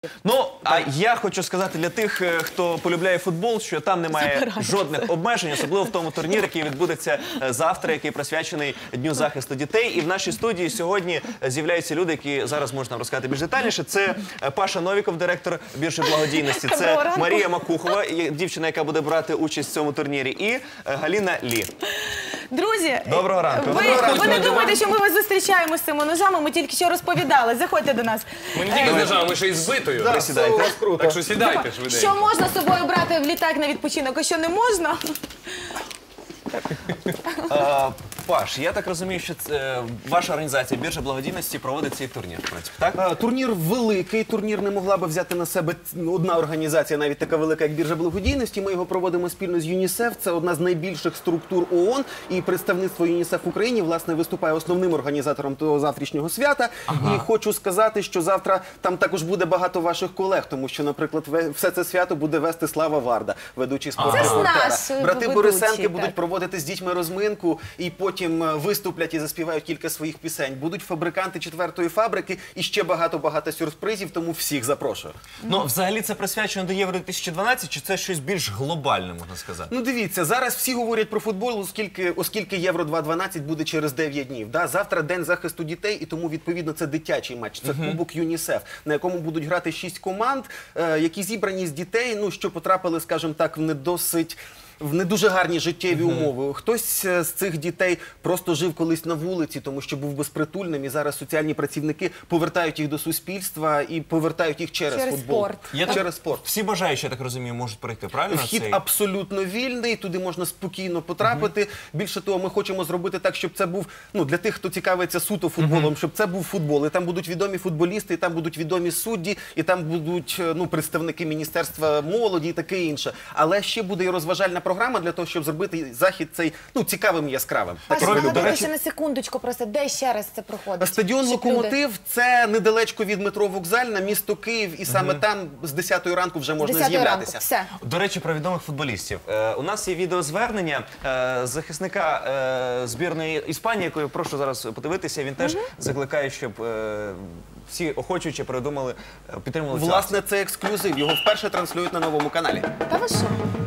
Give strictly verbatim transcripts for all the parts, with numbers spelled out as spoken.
Ну, а я хочу сказати для тих, хто полюбляє футбол, що там немає жодних обмежень, особливо в тому турнірі, який відбудеться завтра, який присвячений Дню захисту дітей. І в нашій студії сьогодні з'являються люди, які зараз можна нам розказати більш детальніше. Це Паша Новіков, директор біржі благодійності. Це Марія Макухова, дівчина, яка буде брати участь в цьому турнірі. І Галина Лі. Друзі, доброго ранку. Ви, доброго ранку. ви не думаєте, що ми вас зустрічаємо з цими ножами, ми тільки що розповідали. Заходьте до нас. Ми не тільки з ножами, ми ще й з битою. Да, сідайте. Так що сідайте швиденько. Що можна з собою брати в літак на відпочинок, а що не можна? А, Паш, я так розумію, що це, ваша організація біржа благодійності проводить цей турнір, в принципі, так? А, турнір великий, турнір не могла би взяти на себе одна організація, навіть така велика, як біржа благодійності. Ми його проводимо спільно з ЮНІСЕФ, це одна з найбільших структур ООН, і представництво ЮНІСЕФ в Україні, власне, виступає основним організатором того завтрашнього свята. Ага. І хочу сказати, що завтра там також буде багато ваших колег, тому що, наприклад, все це свято буде вести Слава Варда, ведучий спортрепортера. Брати Борисенки будуть проводити з дітьми розминку, і потім виступлять і заспівають кілька своїх пісень. Будуть фабриканти четвертої фабрики і ще багато-багато сюрпризів, тому всіх запрошую. Ну, взагалі це присвячено до Євро дві тисячі дванадцять, чи це щось більш глобальне, можна сказати? Ну, дивіться, зараз всі говорять про футбол, оскільки, оскільки Євро дві тисячі дванадцять буде через дев'ять днів. Да? Завтра День захисту дітей, і тому, відповідно, це дитячий матч. Це uh-huh. Кубок ЮНІСЕФ, на якому будуть грати шість команд, е, які зібрані з дітей, ну, що потрапили, скажімо так, в не досить... в не дуже гарні життєві uh-huh. умови. Хтось з цих дітей просто жив колись на вулиці, тому що був безпритульним, і зараз соціальні працівники повертають їх до суспільства і повертають їх через, через футбол. Спорт. Я через так, спорт. Всі бажаючі, я так розумію, можуть прийти, правильно? Вхід цей? абсолютно вільний, туди можна спокійно потрапити. Uh-huh. Більше того, ми хочемо зробити так, щоб це був, ну, для тих, хто цікавиться суто футболом, uh-huh. щоб це був футбол. І там будуть відомі футболісти, і там будуть відомі судді, і там будуть, ну, представники Міністерства молоді і таке інше. Але ще буде і розважальна програма для того, щоб зробити захід цей, ну, цікавим і яскравим. Паша, нагадайте ще на секундочку, просто де ще раз це проходить? Стадіон «Локомотив» – це недалечко від метро «Вокзальна», місто Київ, і саме угу. там з десятої ранку вже можна з'являтися. Все. До речі, про відомих футболістів. Е, у нас є відеозвернення е, захисника е, збірної Іспанії, яку я прошу зараз подивитися. Він теж угу. закликає, щоб е, всі охочуючи придумали, підтримували цю акцію. Власне, це ексклюзив. Його вперше транслюють на Новому каналі. Та ви що?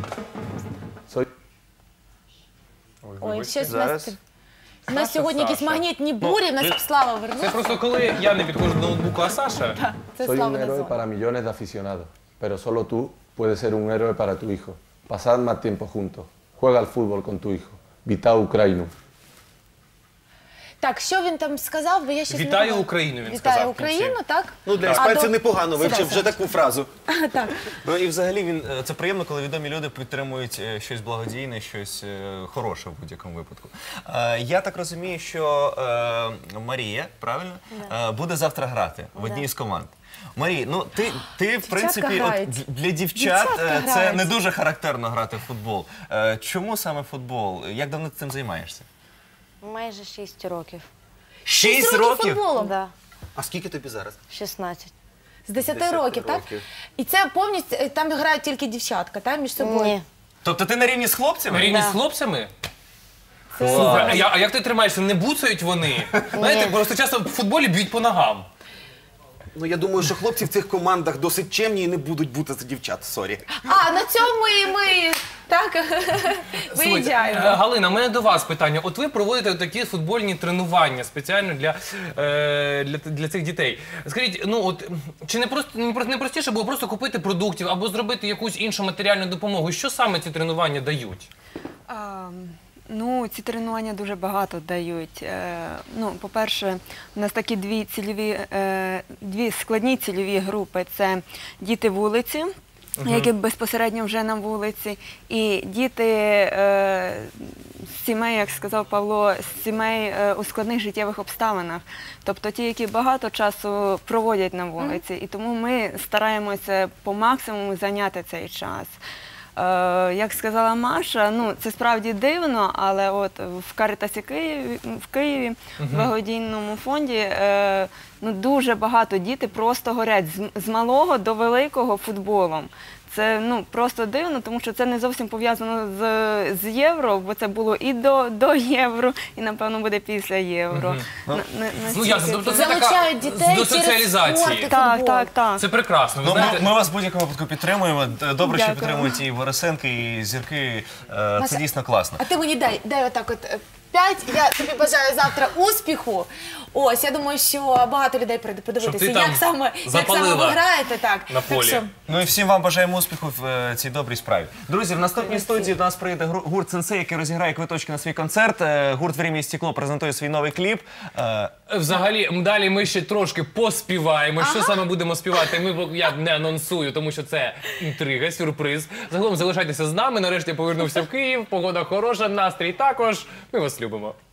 Ой, Ой, щось зараз. У нас сьогодні якісь магнітні бурі, в нас Слава вернувся. Це просто коли я не підходжу до ноутбуку, а Саша. Так, це Soy Слава un héroe Назон. para millones de aficionados, pero solo tú puedes ser un héroe para tu hijo. Pasad más tiempo juntos. Juega al fútbol con tu hijo. Vita Ukrainu. Так, що він там сказав, бо я щось не Вітаю пам'ятаю. Україну, він Вітаю сказав в Україну, кінці. так? Ну, для А, іспанців до- непогано, Сідай, вивчив вже Саша. таку фразу. Так. Ну і взагалі він е, це приємно, коли відомі люди підтримують е, щось благодійне, щось е, хороше в будь-якому випадку. Е, я так розумію, що е, Марія, правильно, е, буде завтра грати в одній з команд. Марій, ну ти, ти в принципі, грають. от, для дівчат Дівчатка е, це грають. не дуже характерно грати в футбол. Е, чому саме футбол? Як давно ти цим займаєшся? Майже шість років. Шість років років? футболом? Да, А скільки тобі зараз? шістнадцять. З десяти десяти років, так? років. І це повністю, е, там грають тільки дівчатка, так, між собою? Ні. Тобто ти на рівні з хлопцями? На рівні Да. з хлопцями? Це- А, я- а як ти тримаєшся? Не буцають вони? Знаєте, просто часто в футболі б'ють по ногам. Ну, я думаю, що хлопці в цих командах досить чемні і не будуть бути за дівчат, сорі. А, на цьому і ми, так, Слухайте, виїжджаємо. е, Галина, у мене до вас питання. От ви проводите такі футбольні тренування спеціально для, е, для, для цих дітей. Скажіть, ну от чи не просто не про- не простіше було просто купити продуктів або зробити якусь іншу матеріальну допомогу? Що саме ці тренування дають? А, ну, ці тренування дуже багато дають. Е, ну, по-перше, у нас такі дві цільові, е, дві складні цільові групи. Це діти вулиці, які безпосередньо вже на вулиці, і діти е, з сімей, як сказав Павло, з сімей е, у складних життєвих обставинах. Тобто ті, які багато часу проводять на вулиці. І тому ми стараємося по максимуму зайняти цей час. Е, як сказала Маша, ну це справді дивно, але от в Карітасі Києві, в Києві, в благодійному фонді, е, ну дуже багато діти просто горять з, з малого до великого футболом. Це ну просто дивно, тому що це не зовсім пов'язано з, з євро, бо це було і до, до євро, і напевно буде після євро. Мгм. На- на- Ну, настільки ясно, тобто це така Залучають дітей до через соціалізації. спорт і Так, футбол. так, так. Це прекрасно. Ви Ну, знаєте, ми, ми вас в будь-якому випадку підтримуємо. Добре, що Дякую. підтримують і Борисенки, і зірки. Е, Це Мася, дійсно класно. А ти мені дай, дай отак от е, п'ять. Я тобі бажаю завтра успіху. Ось, я думаю, що багато людей прийде подивитися, Щоб ти там як саме, як саме запалила ви граєте. Так. на Так полі. що, Ну і всім вам бажаємо успіху в е, цій добрій справі. Друзі, в наступній студії до нас прийде гру- гурт «Сенсей», який розіграє квиточки на свій концерт. Е, Гурт «Время і стекло» презентує свій новий кліп. Е, взагалі, м, далі ми ще трошки поспіваємо. Що саме будемо співати, ми пок- я не анонсую, тому що це інтрига, сюрприз. Загалом залишайтеся з нами. Нарешті я повернувся в Київ. Погода хороша, настрій також. Ми вас любимо.